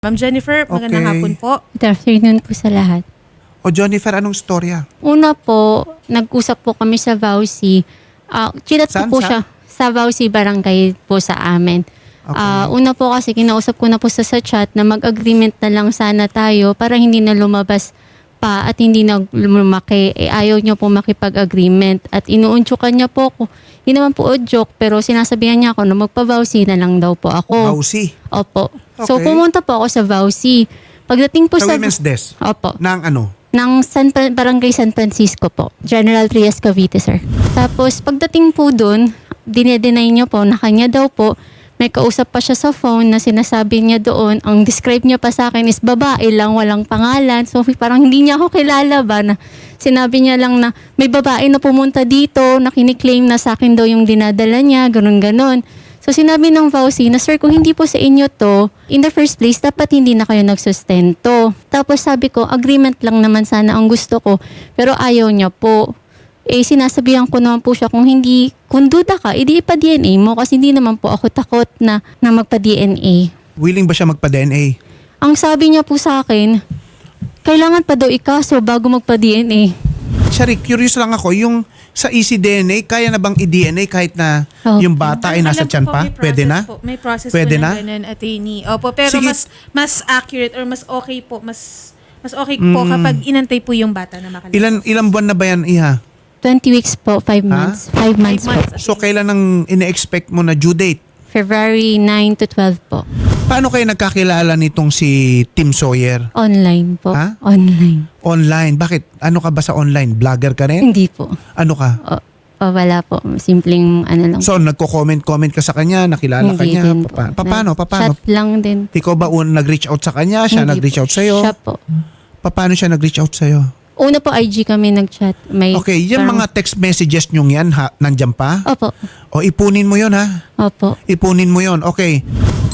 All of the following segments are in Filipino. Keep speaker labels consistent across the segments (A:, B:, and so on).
A: Ma'am Jennifer, magandang
B: Okay.
A: hapon po.
C: Good afternoon po sa lahat.
B: O Jennifer, anong storya?
C: Una po, nag-usap po kami sa Vauci. Chinat ko
B: Saan?
C: po siya sa Vauci Barangay po sa amin.
B: Okay.
C: Una po kasi kinausap ko na po sa chat na mag-agreement na lang sana tayo para hindi na lumabas pa at hindi na lumaki. Ayaw niya po makipag-agreement at inuuntsukan niya po ako. Hindi naman po joke pero sinasabihan niya ako na magpa-Vauci na lang daw po ako.
B: Vauci.
C: Opo. So
B: Okay.
C: pumunta po ako sa Vauci. Pagdating po
B: Sa
C: sa...
B: women's desk.
C: Opo.
B: Ng ano?
C: Ng Barangay San Francisco po. General Trias Cavite, sir. Tapos, pagdating po dun, dinedenay niya po na kanya daw po, may kausap pa siya sa phone na sinasabi niya doon, ang describe niya pa sa akin is babae lang, walang pangalan. So, parang hindi niya ako kilala ba na sinabi niya lang na may babae na pumunta dito, na kiniklaim na sa akin daw yung dinadala niya, ganun-ganon. So sinabi ng Vauci na, sir, kung hindi po sa inyo to, in the first place, dapat hindi na kayo nagsustento. Tapos sabi ko, agreement lang naman sana ang gusto ko, pero ayaw niya po. Sinasabihan ko naman po siya, kung duda ka, edi ipa-DNA mo kasi hindi naman po ako takot na magpa-DNA.
B: Willing ba siya magpa-DNA?
C: Ang sabi niya po sa akin, kailangan pa daw ikaso bago magpa-DNA.
B: Sorry, curious lang ako, yung sa ECDNA, kaya na bang i-DNA kahit na
C: Oh.
B: yung bata ay nasa
A: Alam ko
B: tiyan
A: po,
B: pa?
A: may
B: Pwede na?
A: process po. May process
B: Pwede
A: po
B: na?
A: na ganun, attorney. Opo, pero
B: Sige.
A: mas accurate or mas okay po, mas okay po kapag inantay po yung bata na makalabas.
B: Ilan buwan na ba yan, Iha?
C: 20 weeks po, 5 months. 5 months po.
B: So, kailan ang ine-expect mo na due date?
C: February 9 to 12 po.
B: Paano kayo nagkakilala nitong si Tim Sawyer?
C: Online po.
B: Ha?
C: Online.
B: Online. Bakit? Ano ka ba sa online? Vlogger ka rin?
C: Hindi po.
B: Ano ka?
C: Wala po. Simpleng ano lang.
B: So, nagko-comment ka sa kanya, nakilala ka
C: Hindi
B: niya.
C: din po.
B: Paano?
C: Chat lang din.
B: Ikaw ba nag-reach out sa kanya? Siya
C: Hindi
B: nag-reach
C: po.
B: out sa'yo?
C: Siya po.
B: Paano siya nag-reach out sa'yo?
C: Una po IG kami nag-chat. May
B: Okay, yung
C: parang-
B: mga text messages nyong yan, nandyan pa?
C: Opo.
B: O ipunin mo yon ha?
C: Opo.
B: Ipunin mo yon. Okay.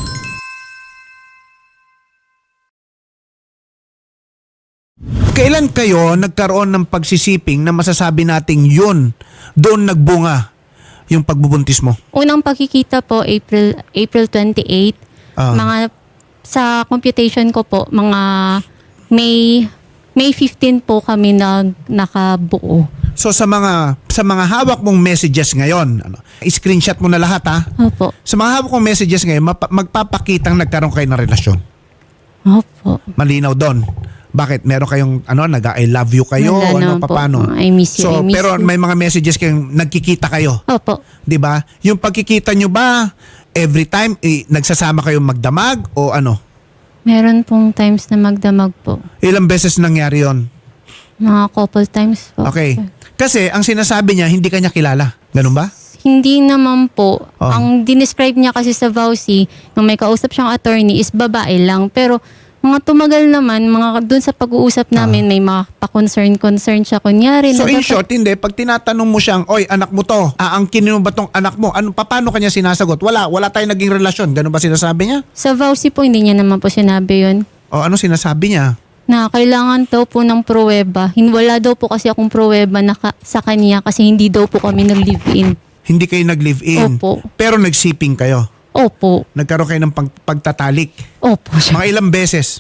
B: Kailan kayo nagkaroon ng pagsisiping na masasabi nating yun, doon nagbunga yung pagbubuntis mo?
C: Unang pagkikita po, April 28.
B: Ah.
C: Mga, sa computation ko po, mga May 15 po kami nakabuo.
B: So sa mga hawak mong messages ngayon, screenshot mo na lahat ha?
C: Opo.
B: Sa mga hawak mong messages ngayon, magpapakitang nagkaroon kayo ng relasyon.
C: Opo.
B: Malinaw doon. Bakit? Meron kayong I love you kayo?
C: Wala
B: Ano,
C: naman po.
B: paano?
C: I miss you,
B: So,
C: I miss
B: pero
C: you.
B: may mga messages kayong nagkikita kayo.
C: Opo.
B: 'Di ba? Yung pagkikita nyo ba, every time, nagsasama kayong magdamag o ano?
C: Meron pong times na magdamag po.
B: Ilang beses nangyari yon?
C: Mga couple times po.
B: Okay. Kasi, ang sinasabi niya, hindi kanya kilala. Ganun ba?
C: Hindi naman po.
B: Oh.
C: Ang dinescribe niya kasi sa Vauci, nung may kausap siyang attorney, is babae lang. Pero mga tumagal naman, dun sa pag-uusap namin, may mga pa-concern siya. Kunyari,
B: So, in
C: dapat-
B: short, hindi. Pag tinatanong mo siyang, oy, anak mo to, aangkinin mo ba tong anak mo? Paano kanya sinasagot? Wala tayong naging relasyon. Ganun ba sinasabi niya?
C: sa Vauci po, hindi niya naman po sinabi yun.
B: O ano sinasabi niya?
C: Na kailangan daw po ng pruweba. Wala daw po kasi akong pruweba sa kanya kasi hindi daw po kami nag-live-in.
B: Hindi kayo nag-live-in.
C: Opo.
B: Pero nagsiping kayo.
C: Opo.
B: Nagkaroon kayo ng pagtatalik.
C: Opo.
B: Mga ilang beses?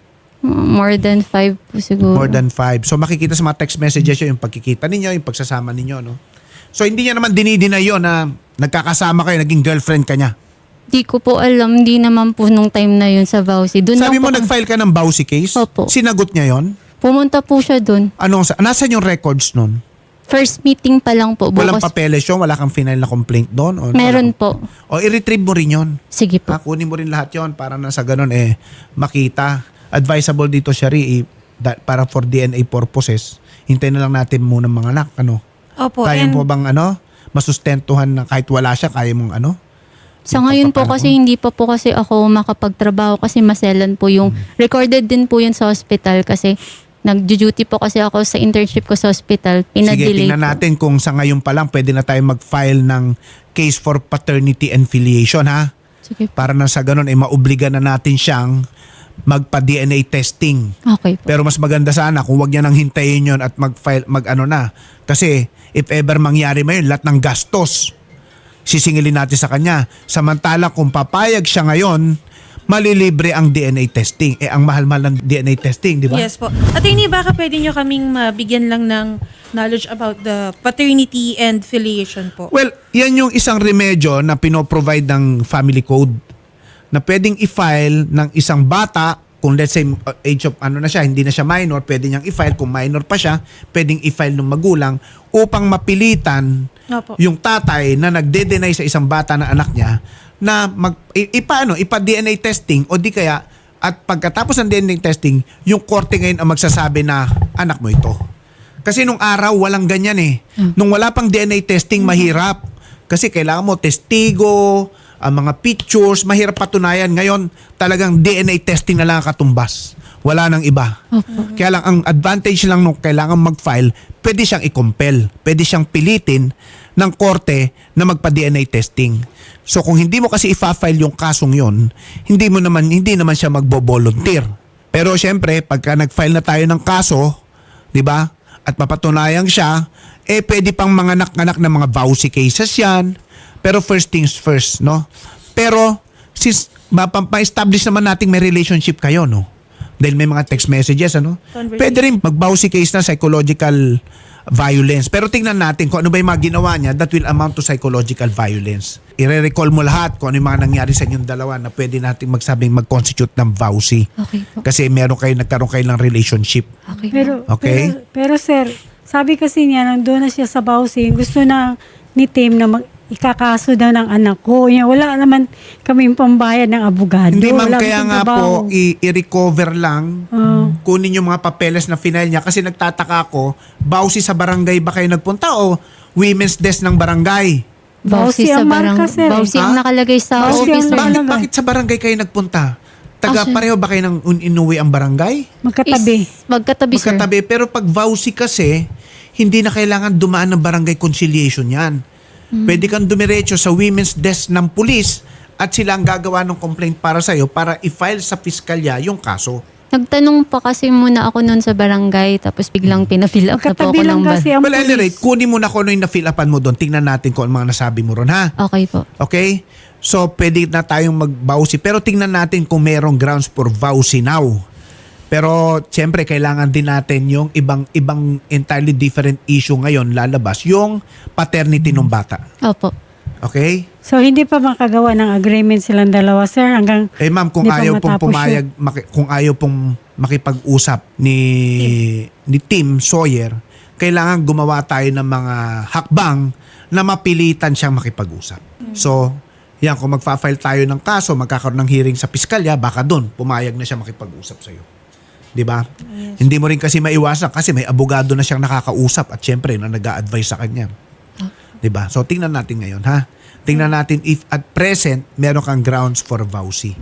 C: More than 5 po siguro.
B: More than 5. So makikita sa mga text messages yun, yung pagkikita ninyo, yung pagsasama ninyo, no? So hindi niya naman dinideny yun na nagkakasama kayo, naging girlfriend ka niya.
C: Di ko po alam, hindi naman po nung time na yun sa Vauci.
B: Sabi mo nag-file ka ng Vauci case?
C: Opo.
B: Sinagot niya yon?
C: Pumunta po siya dun.
B: Nasaan yung records nun?
C: First meeting pa lang po.
B: Walang
C: Bukas.
B: papeles yun? Wala kang final na complaint doon?
C: Meron po.
B: O i-retrieve mo rin yun?
C: Sige po.
B: Kunin mo rin lahat yon para na sa ganun makita. Advisable dito, Shari, para for DNA purposes. Hintayin na lang natin muna mga anak.
A: Opo,
B: Kaya
A: and
B: mo bang masustentuhan na kahit wala siya, kaya mong
C: Sa
B: yung
C: ngayon po
B: pagpapanak
C: kasi
B: mo?
C: hindi pa po kasi ako makapagtrabaho kasi maselan po yung recorded din po yun sa hospital kasi nag-duty po kasi ako sa internship ko sa hospital.
B: Sige,
C: Pinadelay
B: tingnan
C: po.
B: natin kung sa ngayon pa lang pwede na tayo mag-file ng case for paternity and filiation, ha?
C: Sige po.
B: Para na sa ganun, maobliga na natin siyang magpa-DNA testing.
C: Okay po.
B: Pero mas maganda sana kung wag niya nang hintayin yon at mag-file, na. Kasi if ever mangyari man yun, lahat ng gastos, sisingilin natin sa kanya. Samantala kung papayag siya ngayon, malilibre ang DNA testing. Eh, ang mahal-mahal ng DNA testing, di ba?
A: Yes po. Attorney, baka pwede nyo kaming mabigyan lang ng knowledge about the paternity and filiation po.
B: Well, yan yung isang remedyo na pinoprovide ng family code na pwedeng i-file ng isang bata kung let's say age of ano na siya, hindi na siya minor, pwede niyang i-file. Kung minor pa siya, pwedeng i-file ng magulang upang mapilitan
A: Opo.
B: yung tatay na nagde-deny sa isang bata na anak niya na ipa-DNA testing o di kaya at pagkatapos ng DNA testing, yung korte ngayon ang magsasabi na anak mo ito. Kasi nung araw, walang ganyan eh. Nung wala pang DNA testing, mahirap. Kasi kailangan mo testigo, ang mga pictures, mahirap patunayan. Ngayon, talagang DNA testing na lang ang katumbas. Wala nang iba. Kaya lang, ang advantage lang nung kailangan mag-file, pwede siyang i-compel. Pwede siyang pilitin ng korte na magpa-DNA testing. So kung hindi mo kasi i-file yung kasong yon, hindi naman siya magbo-volunteer. Pero syempre, pagka nag-file na tayo ng kaso, di ba? At mapatunayan siya, pwede pang mga anak-anak ng mga vowsy cases yan. Pero first things first, no? Pero, since ma-establish naman nating may relationship kayo, no? Dahil may mga text messages, ano?
A: Conversation.
B: Pwede rin mag-vowsy case na psychological violence. Pero tingnan natin kung ano ba yung mga ginawa niya that will amount to psychological violence. I-recall mo lahat kung ano yung mga nangyari sa inyong dalawa na pwede natin magsabing mag-constitute ng vowsy.
C: Okay po.
B: Kasi nagkaroon kayo ng relationship.
C: Okay.
B: Okay.
D: Pero sir, sabi kasi niya, nandun na siya sa housing, gusto na ni Tim na ikakaso daw ng anak ko. Wala naman kaming pambayad ng abogado.
B: Hindi ma'am,
D: Wala
B: kaya
D: kaming
B: nga
D: trabaho.
B: po i-recover lang, kunin yung mga papeles na final niya kasi nagtataka ako, bawsi sa barangay ba kayo nagpunta o women's desk ng barangay?
C: Bawsi sa
D: ang marka, sir.
C: Bawsi ang
B: Ha?
C: nakalagay sa
D: Bawsi ang
C: officer.
D: nakalagay.
B: Bakit sa barangay kayo nagpunta? Taga
C: Actually-
B: pareho ba kayo ng inuwi ang barangay?
D: Magkatabi.
C: Magkatabi, sir.
B: Magkatabi. Pero pag vowsy kasi, hindi na kailangan dumaan ng barangay conciliation yan. Pwede kang dumiretso sa women's desk ng pulis at sila ang gagawa ng complaint para sa'yo para i-file sa piskalya yung kaso.
C: Nagtanong pa kasi muna ako noon sa barangay tapos biglang pina-fill up na po
D: Magkatabi
C: ako
D: lang
C: ng
D: kasi ang
B: Well, at any
D: pulis.
B: rate, kunin mo na kung ano yung na-fill upan mo doon. Tingnan natin kung ano mga nasabi mo ron, ha?
C: Okay po.
B: Okay? So, pwede na tayong mag-vowsy. Pero tingnan natin kung merong grounds for vowsy now. Pero, siyempre, kailangan din natin yung ibang entirely different issue ngayon lalabas. Yung paternity ng bata.
C: Opo.
B: Okay?
D: So, hindi pa makagawa ng agreement silang dalawa, sir, hanggang
B: Eh ma'am, kung
D: Hindi pa
B: ayaw pong
D: matapos
B: pumayag, kung ayaw pong makipag-usap ni Tim Sawyer, kailangan gumawa tayo ng mga hakbang na mapilitan siyang makipag-usap. So, yan, kung magfa-file tayo ng kaso, magkakaroon ng hearing sa piskalya, baka doon pumayag na siya makipag-usap sa'yo. 'Di ba? Hindi mo rin kasi maiwasan kasi may abogado na siyang nakakausap at syempre na nag-a-advise sa kanya. 'Di ba? So tingnan natin ngayon, ha. Tingnan natin if at present meron kang grounds for vowsy.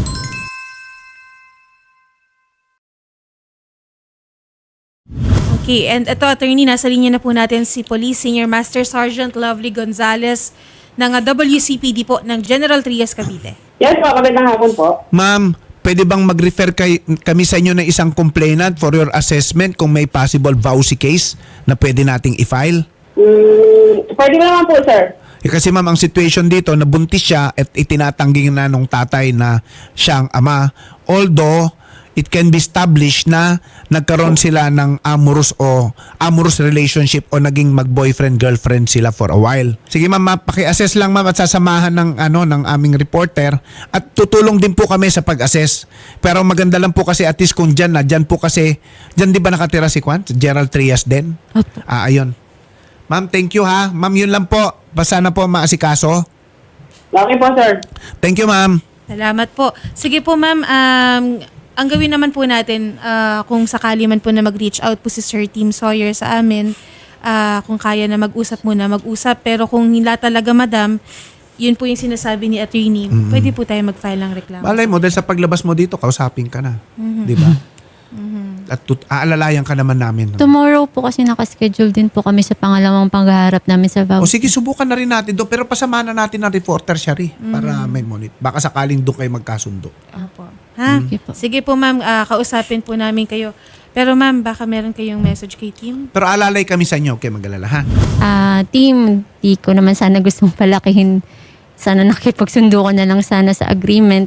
A: Okay, and ito, attorney, nasa linya na po natin si Police Senior Master Sergeant Lovely Gonzales ng WCPD po ng General Trias, Cavite.
E: Yes po, magandang hapon po.
B: Ma'am, pwede bang mag-refer kami sa inyo ng isang complainant for your assessment kung may possible vowsy case na pwede nating i-file?
E: Pwede mo naman po, sir.
B: Kasi ma'am, ang situation dito, nabuntis siya at itinatanggi na nung tatay na siyang ama. Although, it can be established na nagkaroon sila ng amorous relationship o naging mag-boyfriend-girlfriend sila for a while. Sige ma'am, paki-assess lang ma'am at sasamahan ng aming reporter at tutulong din po kami sa pag-assess. Pero maganda lang po kasi at least kung dyan po kasi, dyan di ba nakatira si Juan? Gerald Trias din?
C: Opo.
B: Ayun. Ma'am, thank you ha. Ma'am, yun lang po. Basta na po maasikaso.
E: Okay po, sir.
B: Thank you ma'am.
A: Salamat po. Sige po, ma'am. Ang gawin naman po natin, kung sakali man po na mag-reach out po si Sir Tim Sawyer sa amin, kung kaya na mag-usap muna, mag-usap. Pero kung hila talaga, madam, yun po yung sinasabi ni attorney, pwede po tayo mag-file ng reklamo.
B: Malay mo, dahil sa paglabas mo dito, kausapin ka na. Di ba? At aalalayan ka naman namin.
C: Tomorrow po kasi nakaschedule din po kami sa pangalawang panghaharap namin sa
B: O
C: voucher.
B: sige, subukan na rin natin doon. Pero pasamahan na natin ng reporter siya rin para may monit. Baka sakaling doon kayo magkasundo.
A: Opo. Ha?
C: Sige po.
A: Sige po, ma'am. Kausapin po namin kayo. Pero ma'am, baka meron kayong message kay Tim?
B: Pero alalay kami sa inyo. Okay, mag-alala ha?
C: Team, di ko naman sana gustong palakihin. Sana nakipagsundo ko na lang sana sa agreement.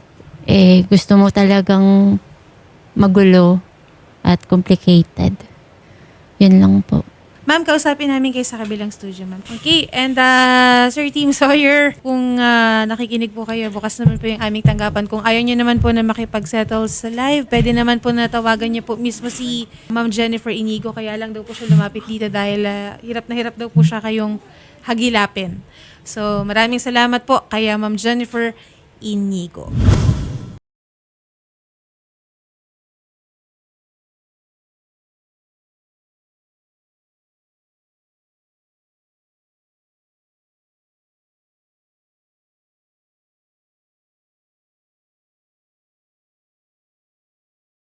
C: gusto mo talagang magulo at complicated. Yun lang po.
A: Ma'am, kausapin namin kayo sa kabilang studio, ma'am. Okay, and Sir Team Sawyer, kung nakikinig po kayo, bukas naman po yung aming tanggapan. Kung ayaw nyo naman po na makipag-settle sa live, pwede naman po natawagan nyo po mismo si Ma'am Jennifer Inigo. Kaya lang daw po siya lumapit dito dahil hirap na hirap daw po siya kayong hagilapin. So, maraming salamat po kay Ma'am Jennifer Inigo.